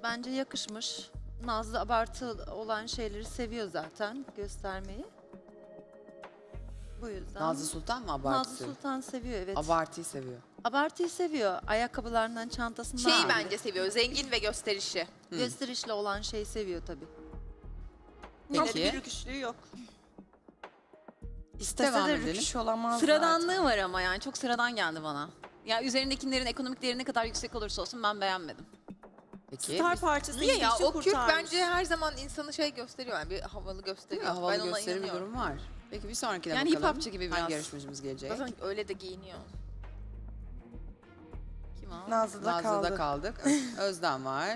Bence yakışmış. Nazlı abartı olan şeyleri seviyor zaten göstermeyi. Bu yüzden. Nazlı Sultan mı abartı Nazlı seviyor? Sultan seviyor, evet. Abartıyı seviyor. Abartıyı seviyor. Ayakkabılarından, çantasından. Şeyi bence seviyor. Zengin ve gösterişi. Gösterişli olan şeyi seviyor tabii. Yine de Peki. bir rüküşlüğü yok. İstese Devam de edelim. rüküş olamaz Sıradanlığı zaten. var ama yani çok sıradan geldi bana. Ya üzerindekilerin ekonomik değeri ne kadar yüksek olursa olsun ben beğenmedim. Peki. Star parçası Niye ya? gidişi O kürk kurtarmış. bence her zaman insanı şey gösteriyor. Yani bir havalı Değil gösteriyor. mi? Havalı ben ona gösteri bir inanıyorum. durum var. Peki bir sonrakine Yani bakalım. hip-hopçu gibi biraz. Hangi yarışmacımız gelecek? Zaten öyle de giyiniyor. Kim o? Nazlı'da Nazlı'da kaldı. kaldık. Özden var.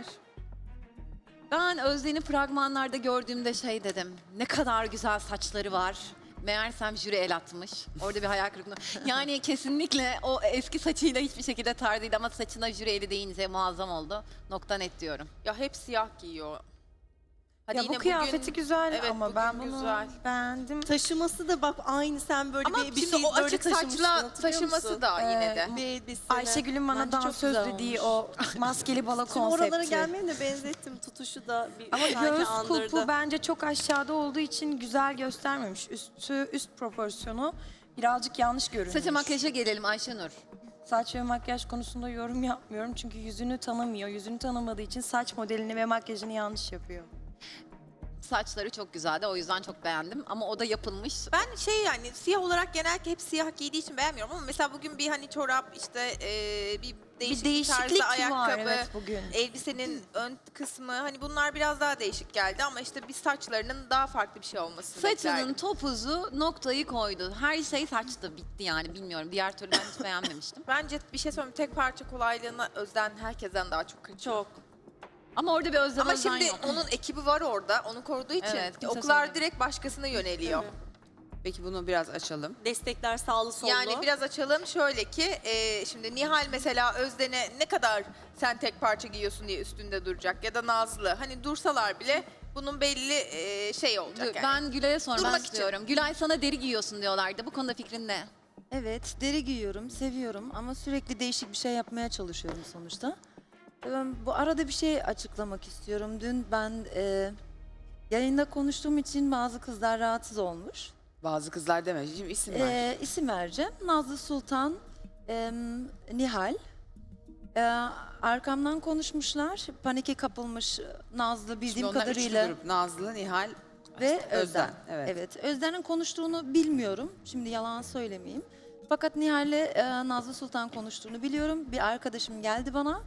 Ben Özden'i fragmanlarda gördüğümde şey dedim. Ne kadar güzel saçları var. Meğersem jüri el atmış. Orada bir hayal kırıklığı. Yani kesinlikle o eski saçıyla hiçbir şekilde tarzı değil ama saçına jüri eli deyince muazzam oldu. Nokta net diyorum. Ya hep siyah giyiyor. Hadi Ya yine bu kıyafeti bugün- güzel Evet, ama bugün ben bunu güzel. beğendim. Taşıması da bak aynı sen böyle Ama bir şimdi şey o böyle açık taşımıştın, saçla hatırlıyor taşıması musun? da yine de. Bir elbisene. Ayşegül'ün bana Bence çok dansöz güzel dediği olmuş. o maskeli balo Tüm oralara konsepti. gelmeye de benzettim. Tutuşu da bir Ama sanki göğüs andırdı. kulpu bence çok aşağıda olduğu için güzel göstermemiş. Üst proporsiyonu birazcık yanlış görünmüş. Saça makyaja gelelim Ayşenur. Saç ve makyaj konusunda yorum yapmıyorum çünkü yüzünü tanımıyor. Yüzünü tanımadığı için saç modelini ve makyajını yanlış yapıyor. Saçları çok güzeldi o yüzden çok beğendim ama o da yapılmış. Ben şey yani siyah olarak genellikle hep siyah giydiği için beğenmiyorum ama mesela bugün bir hani çorap işte bir değişik Bir değişiklik tarzda var ayakkabı, evet bugün. elbisenin ön kısmı hani bunlar biraz daha değişik geldi ama işte bir saçlarının daha farklı bir şey olmasını Saçının beklerdim. topuzu noktayı koydu. Her şey saçtı bitti yani bilmiyorum. Diğer türlü ben hiç beğenmemiştim. Bence bir şey söyleyeyim tek parça kolaylığına Özden herkesten daha çok kaçıyor. Çok. Ama orada bir özlem Ama Özden şimdi yok. onun ekibi var orada onu koruduğu için Evet, kimse oklar söylemiyor. direkt başkasına yöneliyor. Peki bunu biraz açalım. Destekler sağlı sollu. Yani biraz açalım şöyle ki şimdi Nihal mesela Özden'e ne kadar sen tek parça giyiyorsun diye üstünde duracak ya da Nazlı hani dursalar bile bunun belli şey olacak yani. Ben Gülay'a sormak Durmak için. istiyorum. Gülay sana deri giyiyorsun diyorlardı. Bu konuda fikrin ne? Evet, deri giyiyorum, seviyorum ama sürekli değişik bir şey yapmaya çalışıyorum sonuçta. Ben bu arada bir şey açıklamak istiyorum. Dün ben yayında konuştuğum için bazı kızlar rahatsız olmuş. Bazı kızlar deme. Şimdi isim ver. İsim vereceğim. Nazlı Sultan, Nihal. Arkamdan konuşmuşlar. Panike kapılmış Nazlı Şimdi bildiğim onlar kadarıyla. üçlü grup. Nazlı, Nihal, Ve Özden. Özden. Evet. Evet. Özden'in konuştuğunu bilmiyorum. Şimdi yalan söylemeyeyim. Fakat Nihal'le Nazlı Sultan konuştuğunu biliyorum. Bir arkadaşım geldi bana.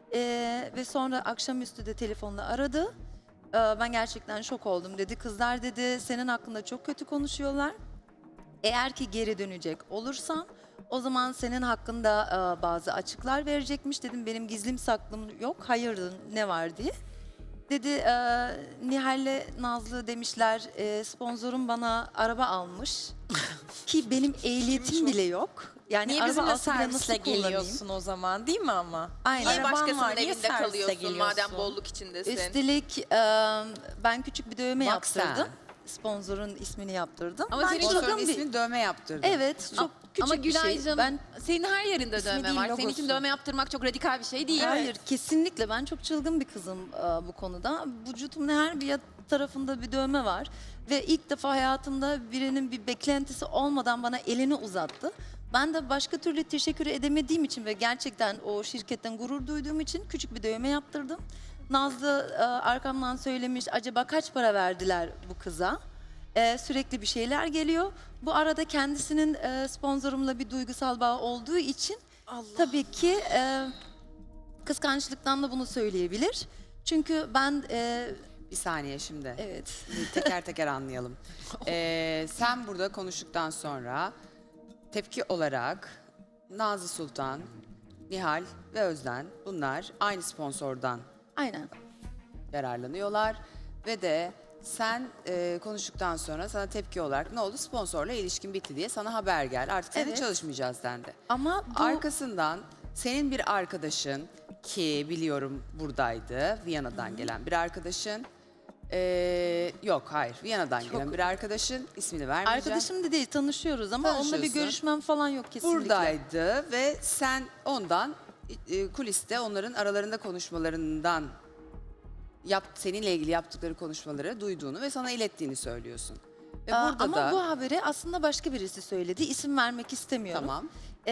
Ve sonra akşamüstü de telefonla aradı. Ben gerçekten şok oldum dedi. Kızlar dedi senin hakkında çok kötü konuşuyorlar. Eğer ki geri dönecek olursan o zaman senin hakkında bazı açıklar verecekmiş. Dedim benim gizlim saklım yok. Hayırdır ne var diye. Dedi Nihal'le Nazlı demişler sponsorum bana araba almış. Ki benim ehliyetim bile yok. Yani Niye araba bizimle alsa bile servisle nasıl kullanayım? geliyorsun o zaman değil mi ama? Aynen. Niye Araban başkasının var, niye evinde serviste kalıyorsun geliyorsun? madem bolluk içindesin? Üstelik ben küçük bir dövme Bak sen. yaptırdım. Sponsorun ismini yaptırdım. Ama Ben senin çılgın Sponsorun bir- ismini dövme yaptırdı. Evet, çok küçük Ama bir şey. Gülay'cığım Ben senin her yerinde İsmi dövme değil, var. Senin için logosu. dövme yaptırmak çok radikal bir şey değil. hayır kesinlikle ben çok çılgın bir kızım bu konuda. Vücutumun her bir tarafında bir dövme var. Ve ilk defa hayatımda birinin bir beklentisi olmadan bana elini uzattı. Ben de başka türlü teşekkür edemediğim için ve gerçekten o şirketten gurur duyduğum için küçük bir dövme yaptırdım. Nazlı arkamdan söylemiş acaba kaç para verdiler bu kıza? Sürekli bir şeyler geliyor. Bu arada kendisinin sponsorumla bir duygusal bağ olduğu için tabii ki kıskançlıktan da bunu söyleyebilir. Çünkü ben Bir saniye şimdi. evet. Teker teker anlayalım. Sen burada konuştuktan sonra tepki olarak Nazlı Sultan, Nihal ve Özden bunlar aynı sponsordan Aynen. yararlanıyorlar ve de sen konuştuktan sonra sana tepki olarak ne oldu sponsorla ilişkin bitti diye sana haber geldi. Artık seninle Evet. çalışmayacağız dendi. Ama bu Arkasından senin bir arkadaşın ki biliyorum buradaydı Viyana'dan gelen bir arkadaşın yok hayır Viyana'dan gelen bir arkadaşın ismini vermeyeceğim. arkadaşım da değil tanışıyoruz ama onunla bir Tanışıyorsun. görüşmem falan yok kesinlikle. Buradaydı ve sen ondan kuliste onların aralarında konuşmalarından seninle ilgili yaptıkları konuşmaları duyduğunu ve sana ilettiğini söylüyorsun. Ve Aa, burada ama da bu haberi aslında başka birisi söyledi. İsim vermek istemiyorum. tamam.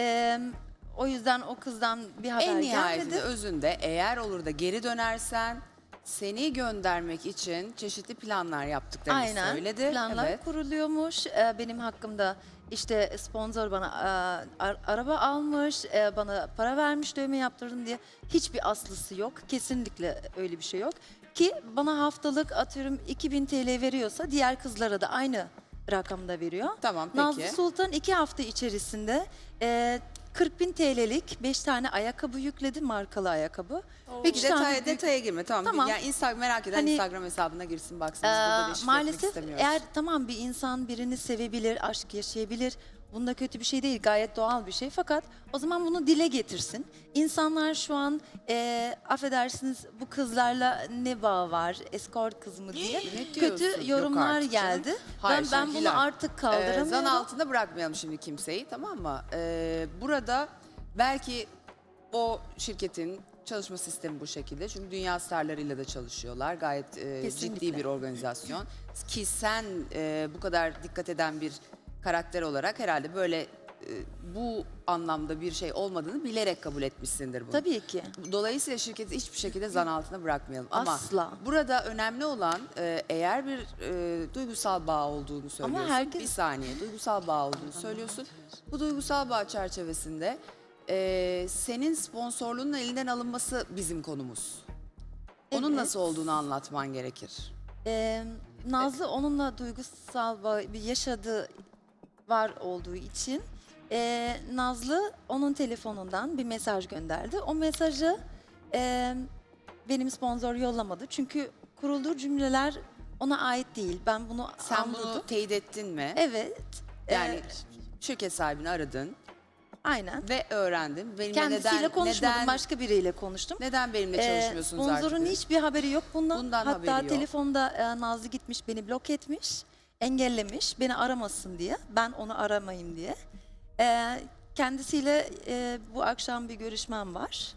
O yüzden o kızdan bir haber En nihayetinde gelmedi. özünde eğer olur da geri dönersen seni göndermek için çeşitli planlar yaptıklarını Aynen. söyledi. Planlar Evet. kuruluyormuş. Benim hakkımda işte sponsor bana araba almış, bana para vermiş dövme yaptırdım diye. Hiçbir aslısı yok. Kesinlikle öyle bir şey yok. Ki bana haftalık atıyorum 2000 TL veriyorsa diğer kızlara da aynı rakamda veriyor. Tamam, peki. Nazlı Sultan 2 hafta içerisinde 40.000 TL'lik 5 tane ayakkabı yükledi, markalı ayakkabı. Peki 3 tane büyük- detaya girme. Tamam. Tamam. Yani merak eden Hani- Instagram hesabına girsin baksın. Biz burada deşifre etmek maalesef istemiyoruz. eğer tamam bir insan birini sevebilir, aşk yaşayabilir. Bunda kötü bir şey değil, gayet doğal bir şey. Fakat o zaman bunu dile getirsin. İnsanlar şu an affedersiniz bu kızlarla ne bağ var, escort kız mı diye Ne diyorsun? kötü Yok yorumlar artık canım. geldi. Hayır, ben şimdi bunu Hilal, artık kaldıramıyorum. Zan altında bırakmayalım şimdi kimseyi, tamam mı? Burada belki o şirketin çalışma sistemi bu şekilde. Çünkü dünya starlarıyla da çalışıyorlar. Gayet Kesinlikle. ciddi bir organizasyon. Ki sen bu kadar dikkat eden bir karakter olarak herhalde böyle bu anlamda bir şey olmadığını bilerek kabul etmişsindir bunu. Tabii ki. Dolayısıyla şirketi hiçbir şekilde zan altına bırakmayalım. Asla. Ama burada önemli olan eğer bir duygusal bağ olduğunu söylüyorsun. herkes- Bir saniye, duygusal bağ olduğunu söylüyorsun. Bu duygusal bağ çerçevesinde senin sponsorluğunun elinden alınması bizim konumuz. Onun Evet. nasıl olduğunu anlatman gerekir. Nazlı onunla duygusal bir yaşadığı var olduğu için Nazlı onun telefonundan bir mesaj gönderdi. O mesajı benim sponsor yollamadı. Çünkü kurulduğu cümleler ona ait değil. Ben bunu Sen anladım. bunu teyit ettin mi? Evet. Yani şirket sahibini aradın Aynen. ve öğrendin. Benimle Kendisiyle konuşmadım. neden, Başka biriyle konuştum. neden benimle çalışmıyorsunuz Sponsorun artık? hiçbir haberi yok bundan. Bundan haberi Hatta yok. telefonda Nazlı gitmiş beni blok etmiş, engellemiş, beni aramasın diye, ben onu aramayayım diye. Kendisiyle bu akşam bir görüşmem var.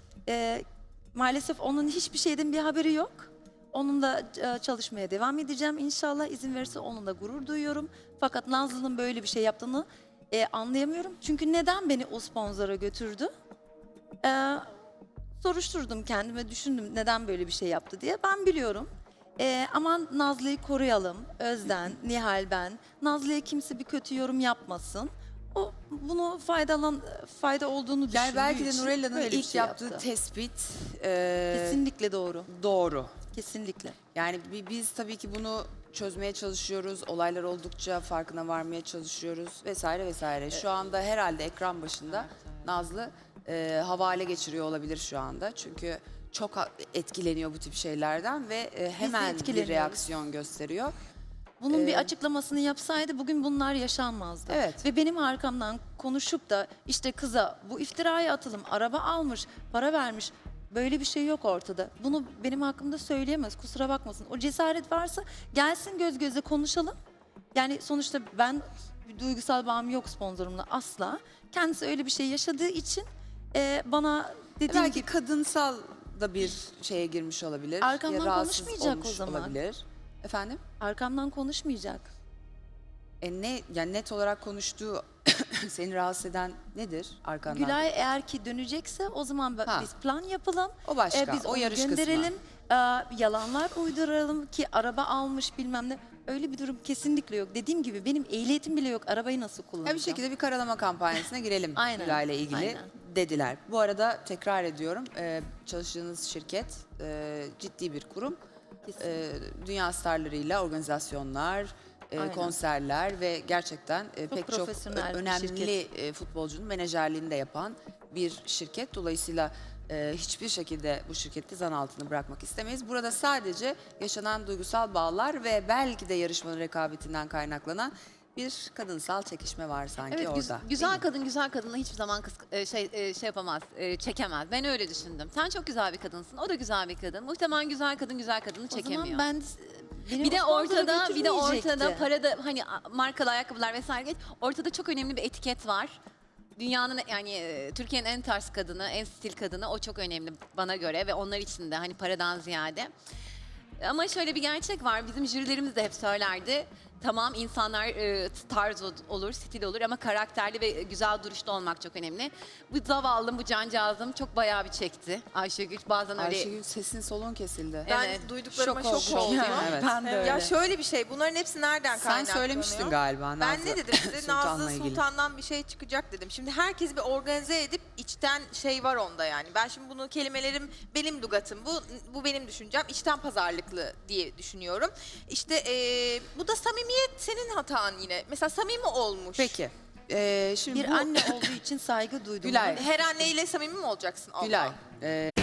Maalesef onun hiçbir şeyden bir haberi yok. Onunla çalışmaya devam edeceğim inşallah, izin verirse onunla gurur duyuyorum. Fakat Nazlı'nın böyle bir şey yaptığını anlayamıyorum. Çünkü neden beni o sponsora götürdü? Soruşturdum kendime, düşündüm neden böyle bir şey yaptı diye. Ben biliyorum. Ama Nazlı'yı koruyalım. Özden, Nihal, ben. Nazlı'ya kimse bir kötü yorum yapmasın. O bunu fayda olduğunu düşündüğü Yani belki de için Nurella'nın böyle bir ilk şey yaptığı yaptı. tespit Kesinlikle doğru. doğru. Kesinlikle. Yani biz tabii ki bunu çözmeye çalışıyoruz. Olaylar oldukça farkına varmaya çalışıyoruz vesaire vesaire. Şu anda herhalde ekran başında Nazlı havale geçiriyor olabilir şu anda. Çünkü çok etkileniyor bu tip şeylerden ve hemen bir etkileniyoruz. reaksiyon gösteriyor. Bunun bir açıklamasını yapsaydı bugün bunlar yaşanmazdı. Evet. Ve benim arkamdan konuşup da işte kıza bu iftiraya atılım, araba almış, para vermiş. Böyle bir şey yok ortada. Bunu benim hakkımda söyleyemez. Kusura bakmasın. O cesaret varsa gelsin göz göze konuşalım. Yani sonuçta ben bir duygusal bağım yok sponsorumla asla. Kendisi öyle bir şey yaşadığı için bana dediğim Belki gibi kadınsal da bir şeye girmiş olabilir. Arkamdan Ya rahatsız konuşmayacak olmuş o zaman. Olabilir. Efendim? arkamdan konuşmayacak. Yani net olarak konuştuğu seni rahatsız eden nedir arkandan? Gülay eğer ki dönecekse o zaman Ha. biz plan yapalım. O başka, Biz o onu yarış kısmı. gönderelim. Yalanlar uyduralım ki araba almış bilmem ne. Öyle bir durum kesinlikle yok. Dediğim gibi benim ehliyetim bile yok. Arabayı nasıl Ya kullanacağım? bir şekilde bir karalama kampanyasına girelim Aynen, Gülay'la ilgili aynen. dediler. Bu arada tekrar ediyorum çalıştığınız şirket ciddi bir kurum. Dünya starlarıyla organizasyonlar, Aynen. konserler ve gerçekten pek çok profesyonel bir önemli futbolcunun menajerliğini de yapan bir şirket. Dolayısıyla hiçbir şekilde bu şirketi zan altında bırakmak istemeyiz. Burada sadece yaşanan duygusal bağlar ve belki de yarışmanın rekabetinden kaynaklanan bir kadınsal çekişme var sanki Evet, orada. güzel kadın güzel kadınla hiçbir zaman şey yapamaz, çekemez. Ben öyle düşündüm. Sen çok güzel bir kadınsın, o da güzel bir kadın. Muhtemelen güzel kadın güzel kadını O çekemiyor. zaman ben beni bir de o sponsora ortada götürmeyecekti. parada hani markalı ayakkabılar vesaire geç. Ortada çok önemli bir etiket var. Dünyanın yani Türkiye'nin en tarz kadını, en stil kadını o çok önemli bana göre ve onlar için de hani paradan ziyade. Ama şöyle bir gerçek var. Bizim jürilerimiz de hep söylerdi. Tamam insanlar tarz olur, stil olur ama karakterli ve güzel duruşta olmak çok önemli. Bu zavallım, bu cancağızım çok bayağı bir çekti Ayşegül. Bazen öyle... Ayşegül sesin solun kesildi. Ben Evet. duyduklarıma Şok şok oldum. oldum. Evet. Ben de öyle. Ya şöyle bir şey, bunların hepsi nereden Sen kaynaklanıyor? söylemiştin galiba Ben Nazlı ne dedim size? Sultan'la Nazlı ilgili. Sultan'dan bir şey çıkacak dedim. Şimdi herkes bir organize edip içten şey var onda yani. Ben şimdi bunu kelimelerim benim lügatım bu benim düşüncem. İçten pazarlıklı diye düşünüyorum. İşte bu da samimiyet senin hatan yine. Mesela samimi olmuş. Peki. Şimdi Bir bu anne olduğu için saygı duydum. Gülay. Her anneyle samimi mi olacaksın? Allah. Gülay.